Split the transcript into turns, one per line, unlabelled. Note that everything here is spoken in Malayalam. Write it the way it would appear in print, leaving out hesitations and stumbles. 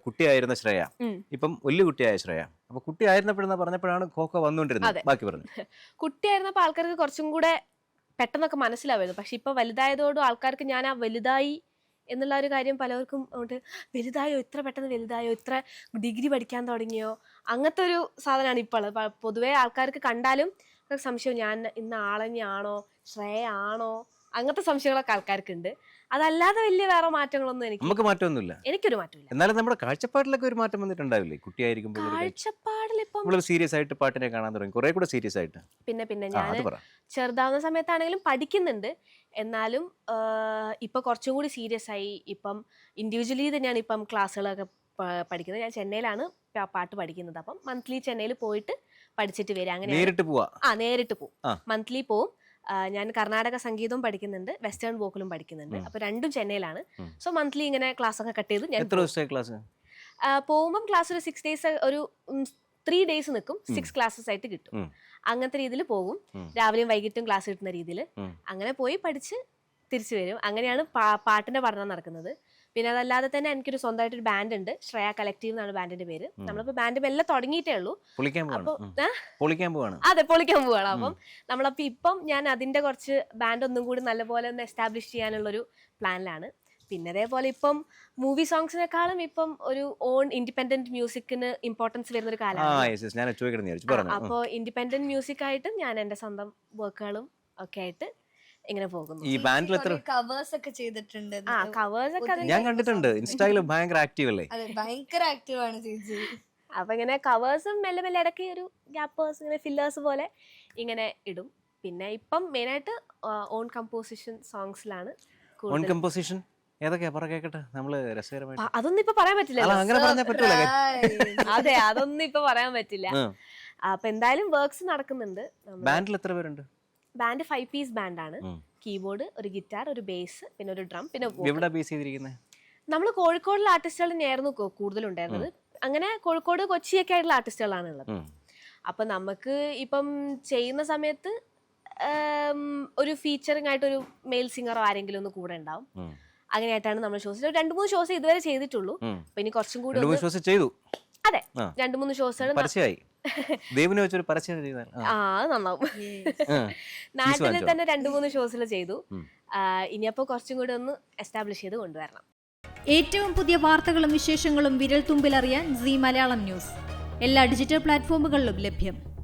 കുട്ടിയായിരുന്ന ശ്രേയ ഇപ്പം വലിയ കുട്ടിയായ ശ്രേയ. അപ്പൊ കുട്ടിയായിരുന്നപ്പോഴെന്ന് പറഞ്ഞപ്പോഴാണ് ഖോഖോ വന്നുകൊണ്ടിരുന്നത്. ബാക്കി പറഞ്ഞു.
കുട്ടിയായിരുന്നപ്പോൾ ആൾക്കാർക്ക് കുറച്ചും കൂടെ പെട്ടെന്നൊക്കെ മനസ്സിലാവുമായിരുന്നു. പക്ഷെ ഇപ്പൊ വലുതായതോടും ആൾക്കാർക്ക് ഞാൻ ആ വലുതായി എന്നുള്ള ഒരു കാര്യം പലർക്കും വലുതായോ, ഇത്ര പെട്ടെന്ന് വലുതായോ, ഇത്ര ഡിഗ്രി പഠിക്കാൻ തുടങ്ങിയോ, അങ്ങനത്തെ ഒരു സാധനമാണ് ഇപ്പോൾ ഉള്ളത്. പൊതുവേ ആൾക്കാർക്ക് കണ്ടാലും സംശയം ഞാൻ ഇന്ന ആളെന്നെയാണോ, ശ്രേയ ആണോ, അങ്ങനത്തെ സംശയങ്ങളൊക്കെ ആൾക്കാർക്ക് ഉണ്ട്. അതല്ലാതെ വലിയ വേറെ മാറ്റങ്ങളൊന്നും
നമുക്ക് മാറ്റമൊന്നുമില്ല.
എനിക്കൊരു മാറ്റമില്ല.
എന്നാലും നമ്മുടെ കാഴ്ചപ്പാടിലൊക്കെ ഒരു മാറ്റം വന്നിട്ടുണ്ടാവില്ലേ കുട്ടിയായിരിക്കുമ്പോൾ?
കാഴ്ചപ്പാടിൽ ഇപ്പം
സീരിയസ് ആയിട്ട് പാട്ടിനെ കാണാൻ തുടങ്ങി, കുറെ കൂടെ സീരിയസ് ആയിട്ട്.
പിന്നെ ഞാൻ ചെറുതാവുന്ന സമയത്താണെങ്കിലും പഠിക്കുന്നുണ്ട്. എന്നാലും ഇപ്പൊ കുറച്ചും കൂടി സീരിയസ് ആയി. ഇപ്പം ഇൻഡിവിജ്വലി തന്നെയാണ് ഇപ്പം ക്ലാസ്സുകളൊക്കെ പഠിക്കുന്നത്. ഞാൻ ചെന്നൈയിലാണ് പാട്ട് പഠിക്കുന്നത്. അപ്പം മന്ത്ലി ചെന്നൈയിൽ പോയിട്ട് പഠിച്ചിട്ട് വരിക. അങ്ങനെ നേരിട്ട് പോവും. മന്ത്ലി പോവും. ഞാൻ കർണാടക സംഗീതവും പഠിക്കുന്നുണ്ട്, വെസ്റ്റേൺ വോക്കലും പഠിക്കുന്നുണ്ട്. അപ്പൊ രണ്ടും ചെന്നൈയിലാണ്. സോ മന്ത്ലി ഇങ്ങനെ ക്ലാസ് ഒക്കെ കട്ട് ചെയ്ത് ഞാൻ പോകുമ്പോൾ ക്ലാസ് ഒരു 6 days, ഒരു 3 days നിൽക്കും. 6 classes ആയിട്ട് കിട്ടും. അങ്ങനത്തെ രീതിയിൽ പോകും. രാവിലെയും വൈകിട്ടും ക്ലാസ് കിട്ടുന്ന രീതിയിൽ അങ്ങനെ പോയി പഠിച്ച് തിരിച്ചു വരും. അങ്ങനെയാണ് പാട്ടിന്റെ പഠനം നടക്കുന്നത്. പിന്നെ അതല്ലാതെ തന്നെ എനിക്കൊരു സ്വന്തമായിട്ടൊരു ബാൻഡ് ഉണ്ട്, ശ്രേയ കളക്റ്റീവ് എന്നാണ് ബാൻഡിന്റെ പേര്. നമ്മളിപ്പോ ബാൻഡ് എല്ലാം തുടങ്ങിയിട്ടേ ഉള്ളൂ. പൊളിക്കാൻ പോവാണ്. അപ്പം നമ്മളപ്പോ ഇപ്പം ഞാൻ അതിന്റെ കുറച്ച് ബാൻഡ് ഒന്നും കൂടി നല്ലപോലെ ഒന്ന് എസ്റ്റാബ്ലിഷ് ചെയ്യാനുള്ളൊരു പ്ലാനിലാണ്. പിന്നെ അതേപോലെ ഇപ്പം മൂവി സോങ്സിനെക്കാളും ഇപ്പം ഒരു ഓൺ ഇൻഡിപെൻഡന്റ് മ്യൂസിക്കിന് ഇമ്പോർട്ടൻസ് വരുന്ന ഒരു കാലമാണ്. അപ്പോൾ ഇൻഡിപെൻഡന്റ് മ്യൂസിക് ആയിട്ട് ഞാൻ എന്റെ സ്വന്തം വർക്കുകളും ഒക്കെ ആയിട്ട് ഇങ്ങനെ പോകുന്നു.
ഈ ബാൻഡിൽ എത്ര
കവേഴ്സ് ഒക്കെ ചെയ്തിട്ടുണ്ട്?
കവേഴ്സ് ഒക്കെ
ഞാൻ കണ്ടിട്ടുണ്ട്. ഇൻസ്റ്റാഗ്രാമിൽ ഭയങ്കര ആക്റ്റീവ് അല്ലേ?
ഭയങ്കര ആക്റ്റീവ് ആണ് ചേച്ചി.
അപ്പൊ ഇങ്ങനെ കവേഴ്സും മെല്ലെ മെല്ലെ ഇടയ്ക്ക് ഒരു ഗ്യാപ്പേഴ്സ്, ഇങ്ങനെ ഫില്ലേഴ്സ് പോലെ ഇങ്ങനെ ഇടും. പിന്നെ ഇപ്പം മെയിനായിട്ട് ഓൺ കമ്പോസിഷൻ സോങ്സിലാണ്.
ഓൺ കമ്പോസിഷൻ ഏതൊക്കെയാ പറ കേക്കട്ടെ, നമ്മള് രസകരമായിട്ട്.
അതൊന്നും ഇപ്പൊ പറയാൻ പറ്റില്ല. അതെ, അതൊന്നും ഇപ്പൊ പറയാൻ പറ്റില്ല. അപ്പൊ എന്തായാലും വർക്ക്സ് നടക്കുന്നുണ്ട്.
ബാൻഡിൽ എത്ര പേരുണ്ട്?
ബാൻഡ് 5 piece ബാൻഡാണ്. കീബോർഡ്, ഒരു ഗിറ്റാർ, ഒരു ബേസ്, പിന്നെ ഒരു ഡ്രം, പിന്നെ നമ്മള് കോഴിക്കോടുള്ള ആർട്ടിസ്റ്റുകൾ തന്നെയായിരുന്നു കൂടുതലുണ്ടായിരുന്നത്. അങ്ങനെ കോഴിക്കോട്, കൊച്ചിയൊക്കെ ആയിട്ടുള്ള ആർട്ടിസ്റ്റുകളാണ് ഉള്ളത്. അപ്പൊ നമുക്ക് ഇപ്പം ചെയ്യുന്ന സമയത്ത് ഒരു ഫീച്ചറിംഗ് ആയിട്ട് ഒരു മെയിൽ സിംഗറോ ആരെങ്കിലും ഒന്ന് കൂടെ ഉണ്ടാവും. അങ്ങനെയായിട്ടാണ് നമ്മൾ ഷോസ് 2-3 ഷോസ് ഇതുവരെ ചെയ്തിട്ടുള്ളൂ. അപ്പൊ ഇനി കുറച്ചും കൂടി അതെ 2-3 ഷോസ് നന്നാവും. നാട്ടിൽ തന്നെ 2-3 ഷോസിൽ ചെയ്തു. ഇനിയപ്പോ കുറച്ചും കൂടി ഒന്ന് എസ്റ്റാബ്ലിഷ് ചെയ്ത് കൊണ്ടുവരണം.
ഏറ്റവും പുതിയ വാർത്തകളും വിശേഷങ്ങളും വിരൽ തുമ്പിലറിയാൻ സീ മലയാളം ന്യൂസ് എല്ലാ ഡിജിറ്റൽ പ്ലാറ്റ്ഫോമുകളിലും ലഭ്യം.